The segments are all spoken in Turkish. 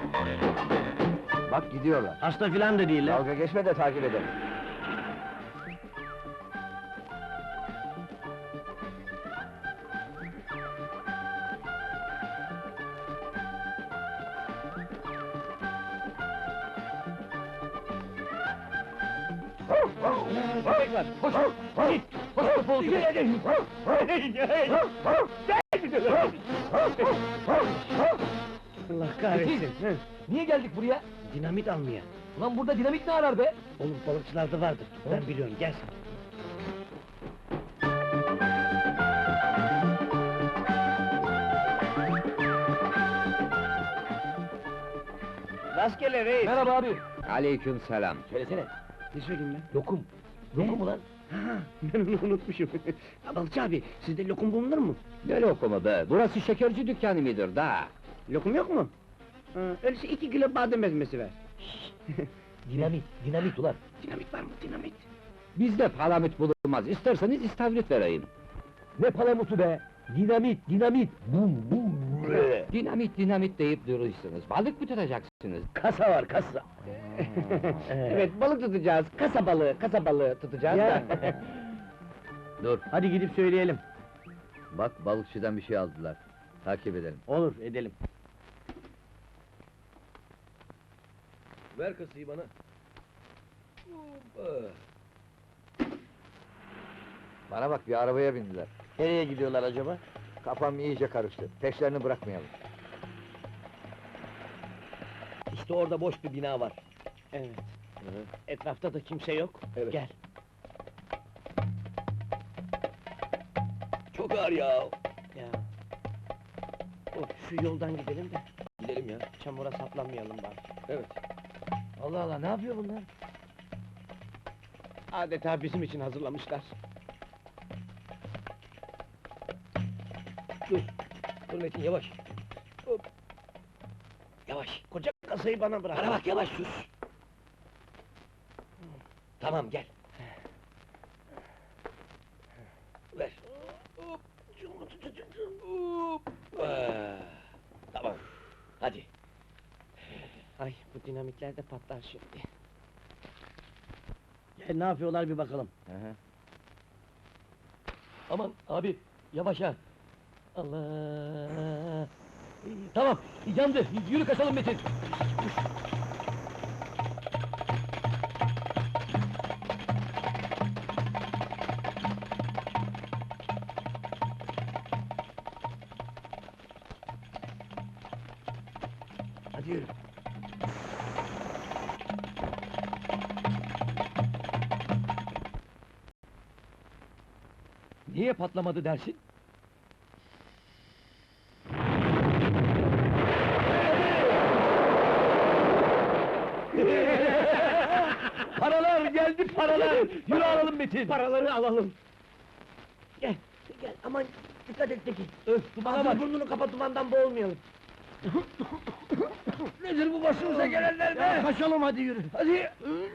Bak gidiyorlar. Hasta filan da değiller. Dalga geçme de takip edelim. Köpek var, koş! Git! Koş topu oldu! Allah kahretsin! Niye geldik buraya? Dinamit almaya! Ulan burada dinamit ne arar be? Oğlum balıkçılarda vardır, ben biliyorum, gel sen! Rastgele reis! Merhaba abi. Aleyküm selam. Söylesene. Ne söyleyeyim ben? Lokum. Ne? Lokum ulan. Ha, ben onu unutmuşum! Balıkçı abi, sizde lokum bulunur mu? Ne lokumu be? Burası şekerci dükkanı mıdır da? Lokum yok mu? Ha, öyleyse 2 kilo badem ezmesi ver! Dinamit ulan. Dinamit var mı, dinamit? Bizde palamut bulunmaz. İsterseniz istavrit vereyim. Ne palamutu be? Dinamit. Bum bum. Dinamit deyip duruyorsunuz. Balık mı tutacaksınız? Kasa var, kasa. Evet, balık tutacağız, kasa balığı tutacağız Ya. da! Dur, Hadi gidip söyleyelim! bak balıkçıdan bir şey aldılar. Takip edelim. Olur, edelim! Ver kasayı bana. Bana bak, bir arabaya bindiler. Nereye gidiyorlar acaba? Kafam iyice karıştı. Peşlerini bırakmayalım. İşte orada boş bir bina var. Evet. Etrafta da kimse yok. Evet. Gel. Çok ağır ya. Ya. Şu yoldan gidelim de Gidelim ya. çamura saplanmayalım bari. Evet. Allah Allah, ne yapıyor bunlar? Adeta bizim için hazırlamışlar. Dur Metin, yavaş. Hop. Yavaş. Koca kasayı bana bırak. Bana bak, yavaş sus. Tamam, gel. Ver. Hop. Hop. Tamam. Hadi. Ay, bu dinamitler de patlar şimdi. Gel, ne yapıyorlar bir bakalım. Aman abi, yavaş ha. Allah! Tamam, yandı. Yürü kaçalım Metin. Hadi yürü. Niye patlamadı dersin? Paralar geldi, paralar! Yürü alalım Metin! Paraları alalım! Gel, aman dikkat et Tekin! Öf, dumana Ağzını bak! burnunu kapat, dumandan boğulmayalım! Nedir bu başımıza gelenler Ya, be? kaçalım hadi yürü! Hadi!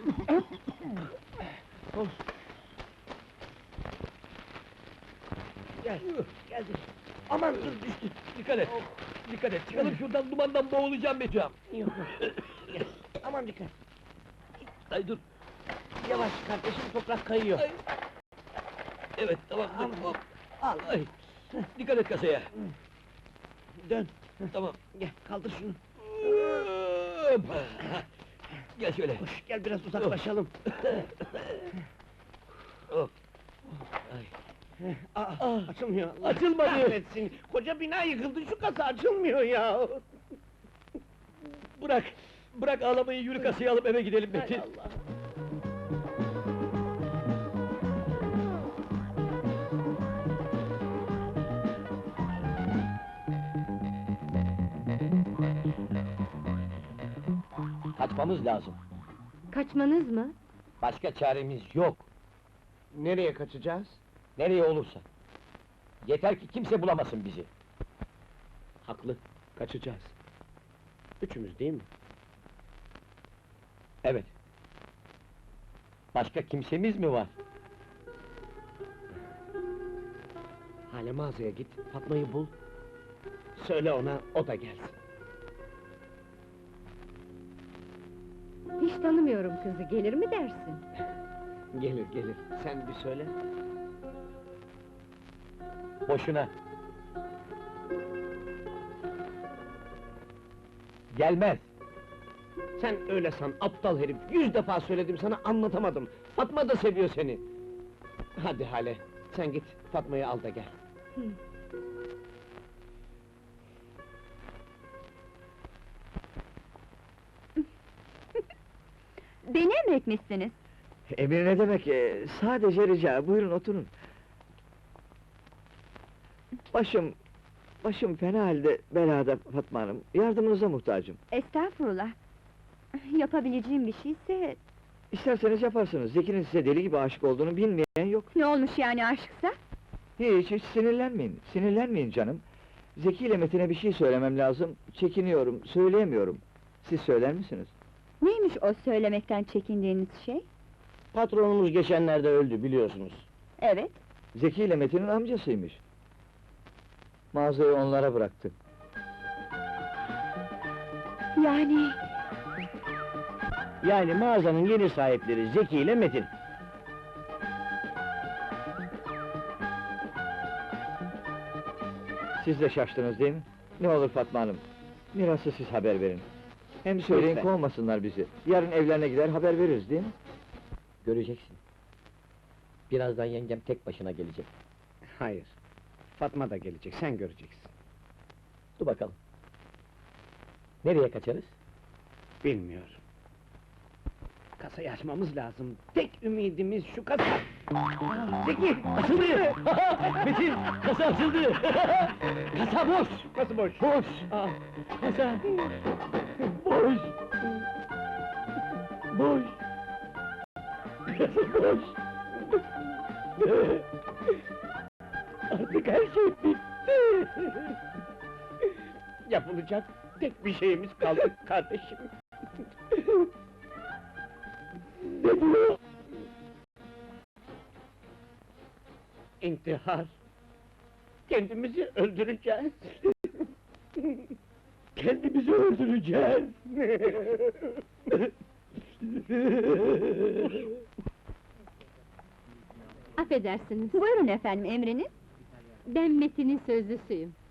Gel, geldi! Aman dur, düştü! Dikkat et! Dikkat et, çıkalım şuradan, dumandan boğulacağım Metin! Yok, gel, aman dikkat! Ay dur! Yavaş kardeşim, toprak kayıyor! Ay. Evet, tamam, dur, Al. hop! Al! Ay! Dikkat et kasaya! Dön! Tamam! Gel, kaldır şunu! Hop! Gel şöyle! Koş, gel biraz uzaklaşalım! Hop! Ay! Açılmıyor! Allah Açılmadı! kahretsin! Koca bina yıkıldı, şu kasa açılmıyor ya! Bırak! Bırak ağlamayı, yürü kasayı alıp eve gidelim Hay Metin! Allah! Kaçmamız lazım! Kaçmanız mı? Başka çaremiz yok! Nereye kaçacağız? Nereye olursa! Yeter ki kimse bulamasın bizi! Haklı, kaçacağız. Üçümüz değil mi? Evet! Başka kimsemiz mi var? Hale mağazaya git, Fatma'yı bul. Söyle ona, o da gelsin. Hiç tanımıyorum kızı, gelir mi dersin? Gelir gelir, sen bir söyle. Boşuna. Gelmez. Sen öyle san, aptal herif! 100 defa söyledim sana, anlatamadım! Fatma da seviyor seni! Hadi Hale, sen git, Fatma'yı al da gel. Hı. Beni emretmişsiniz. Emir ne demek? Sadece rica, buyurun oturun. Başım fena halde belada Fatma Hanım. Yardımınıza muhtacım. Estağfurullah. Yapabileceğim bir şeyse... İsterseniz yaparsınız. Zeki'nin size deli gibi aşık olduğunu bilmeyen yok. Ne olmuş yani aşksa? Hiç sinirlenmeyin. Sinirlenmeyin canım. Zeki ile Metin'e bir şey söylemem lazım. Çekiniyorum, söyleyemiyorum. Siz söyler misiniz? Neymiş o söylemekten çekindiğiniz şey? Patronumuz geçenlerde öldü, biliyorsunuz. Evet. Zeki ile Metin'in amcasıymış. Mağazayı onlara bıraktı. Yani... Yani mağazanın yeni sahipleri Zeki ile Metin. Siz de şaştınız değil mi? Ne olur Fatma Hanım, mirası siz haber verin. Hem söyleyin Lütfen. kovmasınlar bizi. Yarın evlerine gider haber veririz değil mi? Göreceksin. Birazdan yengem tek başına gelecek. Hayır, Fatma da gelecek, sen göreceksin. Dur bakalım. Nereye kaçarız? Bilmiyorum. Kasayı açmamız lazım. Tek ümidimiz şu kasa. Zeki, açıldı! Metin, kasa açıldı! Kasa boş! Nasıl boş? Boş! Kasa! Boş! Boş! Boş! Artık her şey bitti! Yapılacak tek bir şeyimiz kaldı kardeşim. Ne diyor? İntihar. Kendimizi öldüreceğiz. Kendimizi öldüreceğiz! Affedersiniz, Buyurun efendim, emriniz. ben Metin'in sözlüsüyüm.